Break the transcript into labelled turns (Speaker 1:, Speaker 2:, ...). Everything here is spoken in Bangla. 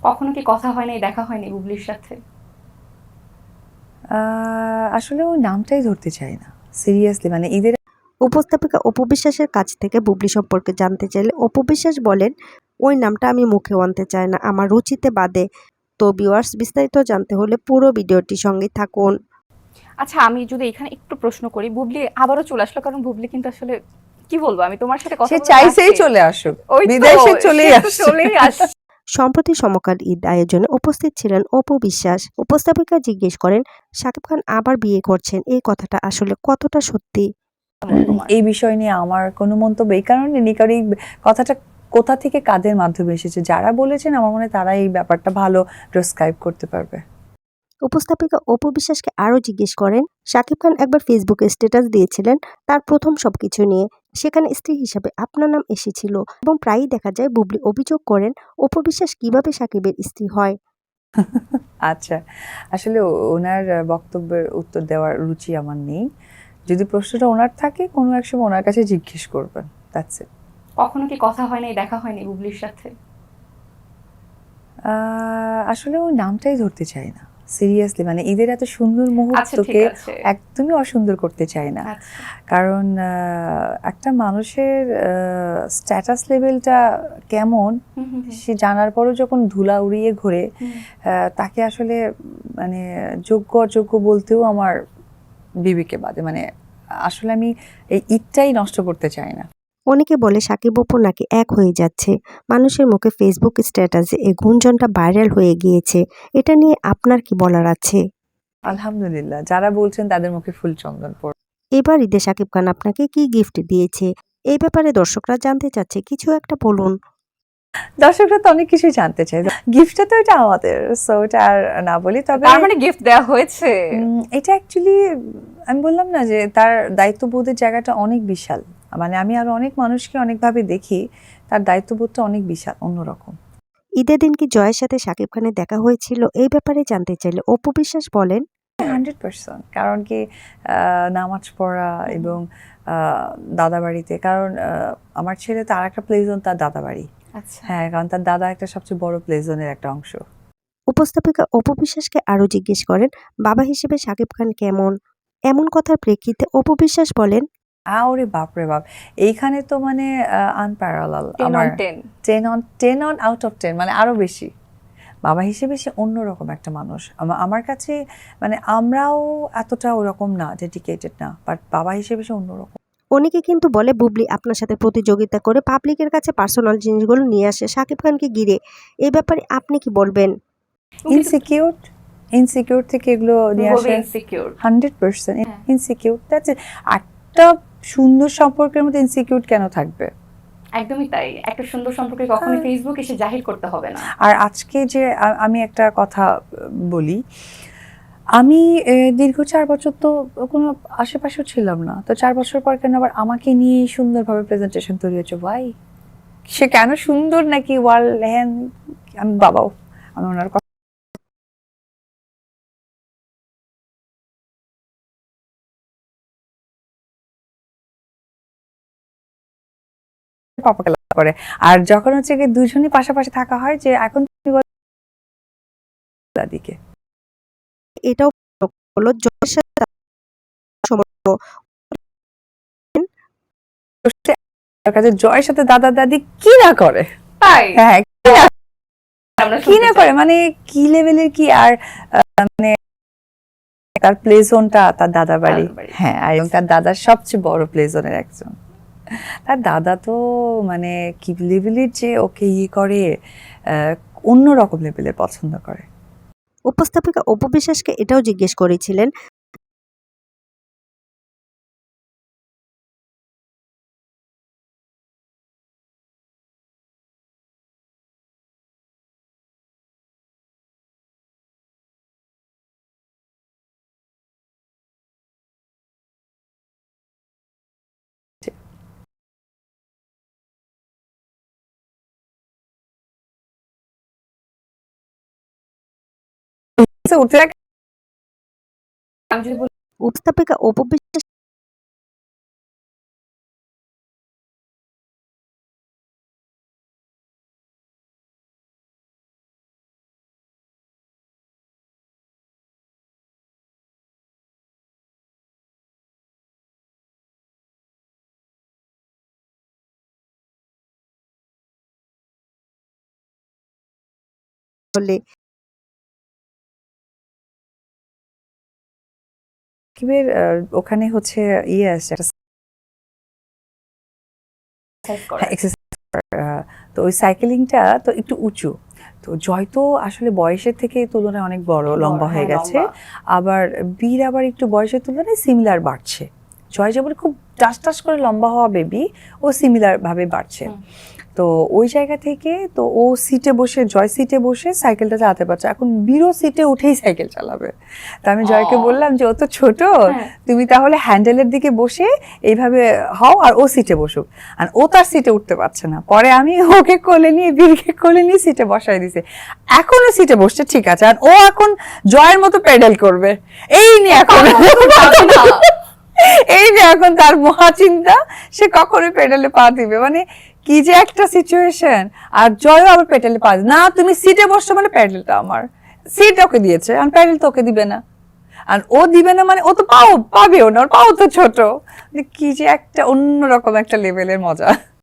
Speaker 1: কখনো কি কথা হয় নাই, দেখা হয়নি বুবলির সাথে?
Speaker 2: আসলে ওই নামটাই ধরতে চাই না। সিরিয়াসলি মানে ঈদের
Speaker 3: উপস্থাপিকা অপু বিশ্বাসের কাছ থেকে বুবলি সম্পর্কে জানতে চাইলে অপু বিশ্বাস বলেন, ওই নামটা আমি মুখেও আনতে চাই না, আমার রুচিতে বাদে। তো ভিউয়ার্স, বিস্তারিত জানতে হলে পুরো ভিডিওটির সঙ্গেই থাকুন।
Speaker 1: আচ্ছা, আমি যদি এখানে একটু প্রশ্ন করি, বুবলি আবারও চলে আসলো, কারণ বুবলি কিন্তু আসলে কি বলবো, আমি তোমার সাথে কথা
Speaker 2: সে
Speaker 1: বলতে
Speaker 2: চাইছেই
Speaker 1: চাচ্ছি।
Speaker 2: চলে আসুক,
Speaker 1: ওই তো,
Speaker 2: বিদেশে
Speaker 1: সে
Speaker 2: চলেই
Speaker 1: তো
Speaker 2: আসছে।
Speaker 1: চলেই আসছে।
Speaker 3: সম্প্রতি সমকাল ঈদ আয়োজনে উপস্থিত ছিলেন অপু বিশ্বাস। উপস্থাপিকা জিজ্ঞেস করেন, শাকিব খান আবার বিয়ে করছেন, এই কথাটা আসলে কতটা সত্যি?
Speaker 1: তোমার
Speaker 2: এই বিষয় নিয়ে আমার কোনো মন্তব্য এই কারণে নেই, কারণ এই কথাটা কোথা থেকে কাদের মাধ্যমে এসেছে, যারা বলেছেন আমার মনে হয় তারা এই ব্যাপারটা ভালো ডেসক্রাইব করতে পারবে।
Speaker 3: উপস্থাপিকা অপু বিশ্বাসকে আরও জিজ্ঞেস করেন, শাকিব খান একবার ফেসবুকে স্ট্যাটাস দিয়েছিলেন তার প্রথম সবকিছু নিয়ে। সেখানে স্ত্রী হিসাবে আপনার নাম এসেছিল এবং প্রায়ই দেখা যায় বুবলি অভিযোগ করেন অপু বিশ্বাস কিভাবে শাকিবের স্ত্রী হয়।
Speaker 2: আচ্ছা, আসলে ওনার বক্তব্যের উত্তর দেওয়ার রুচি আমার নেই। যদি প্রশ্নটা ওনার থাকে কোনো এক সময় ওনার কাছে জিজ্ঞেস করবেন, দ্যাটস ইট।
Speaker 1: কখনো কি কথা হয় নাই, দেখা হয়নি বুবলির সাথে?
Speaker 2: আসলে ওই নামটাই ধরতে চাই না। সিরিয়াসলি মানে ঈদের এত সুন্দর
Speaker 1: আচ্ছা, ঠিক
Speaker 2: মুহূর্তকে
Speaker 1: আছে।
Speaker 2: একদমই অসুন্দর করতে চাই না।
Speaker 1: আচ্ছা।
Speaker 2: কারণ একটা মানুষের স্ট্যাটাস লেভেলটা কেমন
Speaker 1: হুম, হুম, হুম,
Speaker 2: সে জানার পরও যখন ধুলা উড়িয়ে ঘোরে,
Speaker 1: হুম।
Speaker 2: তাকে আসলে মানে যোগ্য অযোগ্য বলতেও আমার বিবেকে বাদে। মানে আসলে আমি এই ঈদটাই নষ্ট করতে চাই না।
Speaker 3: অনেকে বলে শাকিব অপু নাকি এক হয়ে যাচ্ছে। মানুষের মুখে ফেসবুক স্ট্যাটাসে এই গুঞ্জনটা ভাইরাল হয়ে গিয়েছে। এটা নিয়ে আপনার কি বলার আছে?
Speaker 2: আলহামদুলিল্লাহ, যারা বলছেন তাদের মুখে ফুল চন্দন পড়ে।
Speaker 3: এবার ঈদে শাকিব খান আপনাকে কি গিফট দিয়েছে? এই ব্যাপারে দর্শকরা জানতে চাচ্ছে, কিছু একটা বলুন।
Speaker 2: দর্শকরা তো অনেক কিছুই জানতে চায়। গিফটটা তো এটা আমাদের, সো এটা আর না বলি। তবে
Speaker 1: তার মানে গিফট দেওয়া হয়েছে?
Speaker 2: এটা অ্যাকচুয়ালি আমি বললাম না যে তার দায়িত্ববোধের জায়গাটা অনেক বিশাল। মানে আমি আরো অনেক মানুষকে অনেকভাবে দেখি, তার দায়িত্ববোধটা অনেক বিশাল, অন্যরকম।
Speaker 3: ঈদের দিন কি জয়ের সাথে শাকিব খানের দেখা হয়েছিল, এই ব্যাপারে জানতে চাইলে অপু বিশ্বাস বলেন,
Speaker 2: 100%। কারণ কি নামাজ পড়া এবং দাদা বাড়িতে, কারণ আমার ছেলে তো আর একটা প্লে জোন তার দাদা বাড়ি।
Speaker 1: আচ্ছা।
Speaker 2: হ্যাঁ, কারণ তার দাদা একটা সবচেয়ে বড় প্লে জোনের একটা অংশ।
Speaker 3: উপস্থাপিকা অপু বিশ্বাসকে আরও জিজ্ঞেস করেন, বাবা হিসেবে শাকিব খান কেমন? এমন কথার প্রেক্ষিতে অপু বিশ্বাস বলেন,
Speaker 2: ওরে বাপরে বাপ! এইখানে তো মানে আনপ্যারালাল
Speaker 1: 10
Speaker 2: আমার
Speaker 1: on 10।
Speaker 2: 10 অন আউট অফ 10, মানে আরো বেশি। বাবা হিসেবে সে অন্যরকম একটা মানুষ। আমার কাছে মানে আমরাও এতটা ওরকম না, ডেডিকেটেড না। বাট বাবা হিসেবে সে অন্যরকম।
Speaker 3: অনেকে কিন্তু বলে বুবলি আপনার সাথে প্রতিযোগিতা করে পাবলিকের কাছে পার্সোনাল জিনিসগুলো নিয়ে আসে শাকিব খানকে ঘিরে। এই ব্যাপারে আপনি কি বলবেন?
Speaker 2: ইনসিকিউর, ইনসিকিউর থেকে এগুলো নিয়ে
Speaker 1: খুবই
Speaker 2: আসে।
Speaker 1: ইনসিকিউর।
Speaker 2: 100%
Speaker 1: হ্যাঁ।
Speaker 2: ইনসিকিউর। That's it. একটা সুন্দর সম্পর্কের মধ্যে ইনসিকিউর কেন থাকবে?
Speaker 1: একদমই তাই। একটা সুন্দর সম্পর্কে কখনোই ফেসবুক এসে জাহির করতে হবে না।
Speaker 2: আর আজকে যে আমি একটা কথা বলি, আমি দীর্ঘ ৪ বছর তো কোনো আশেপাশেও ছিলাম না। তো ৪ বছর পর কেন আবার আমাকে নিয়েই সুন্দরভাবে প্রেজেন্টেশন তৈরি হয়েছে? হোয়াই? সে কেন সুন্দর নাকি ওয়ার্ল্ড হ্যান, আমি বাবাও, আমি ওনার কথা পাপাকে লাভ করে। আর যখন হচ্ছে গিয়ে দুজনই পাশাপাশি থাকা হয়, যে এখন তুমি বলো দাদিকে।
Speaker 3: এটাও হলো জয়ের সাথে তার সম্পর্ক।
Speaker 2: তার কাছে জয়ের সাথে দাদা দাদি কি না করে?
Speaker 1: তাই?
Speaker 2: হ্যাঁ,
Speaker 1: আমরা
Speaker 2: কি
Speaker 1: শুনতে
Speaker 2: না
Speaker 1: চাই।
Speaker 2: করে মানে কি লেভেলের কি। আর মানে তার প্লে জোনটা তার দাদা বাড়ি।
Speaker 1: দাদার বাড়ি।
Speaker 2: হ্যাঁ, আর এবং তার দাদার সবচেয়ে বড় প্লে জোনের একজন। তার দাদা তো মানে কি লেভেলের যে ওকে ইয়ে করে, অন্য রকম লেভেলের পছন্দ করে।
Speaker 3: উপস্থাপিকা অপু বিশ্বাসকে এটাও জিজ্ঞেস করেছিলেন,
Speaker 2: উঠে
Speaker 1: আমি যদি বলি
Speaker 3: উপস্থাপিকা অপু বিশ্বাস হলে?
Speaker 2: সাকিবের ওখানে হচ্ছে ইয়ে আছে একটা exercise, তো ওই সাইকেলিংটা তো একটু উঁচু, তো জয় তো আসলে বয়সের থেকে তুলনায় অনেক বড়, লম্বা হয়ে গেছে, আবার বীর আবার একটু বয়সের তুলনায় সিমিলার বাড়ছে। জয় যেমন খুব টাস টাস করে লম্বা হওয়া বেবি, ও সিমিলার ভাবে বাড়ছে। তো ওই জায়গা থেকে তো ও সিটে বসে, জয় সিটে বসে সাইকেলটা চালাতে পারছে, এখন বীরও সিটে উঠেই সাইকেল চালাবে। তা আমি জয়কে বললাম যে ও তো ছোট, তুমি তাহলে হ্যান্ডেলের দিকে বসে এইভাবে হও আর ও সিটে বসুক, আর ও তার সিটে উঠতে পারছে না। পরে আমি ওকে কোলে নিয়ে, বীরকে কোলে নিয়ে সিটে বসাই দিছে, এখনো সিটে বসছে ঠিক আছে, আর ও এখন জয়ের মতো পেডেল করবে। এই নিয়ে এখন এই যে এখন তার মহা চিন্তা, সে কখনোই পেডালে পা দিবে, মানে কি যে একটা সিচুয়েশন। আর জয়ও আবার পেডালে পা না, তুমি সিটে বসছো মানে প্যাডেলটা আমার, সিট ওকে দিয়েছে আর প্যাডেল তো ওকে দিবে না, আর ও দিবে না মানে ও তো পাবেও না, ওর পাও তো ছোট। কি যে একটা অন্যরকম একটা লেভেলের মজা।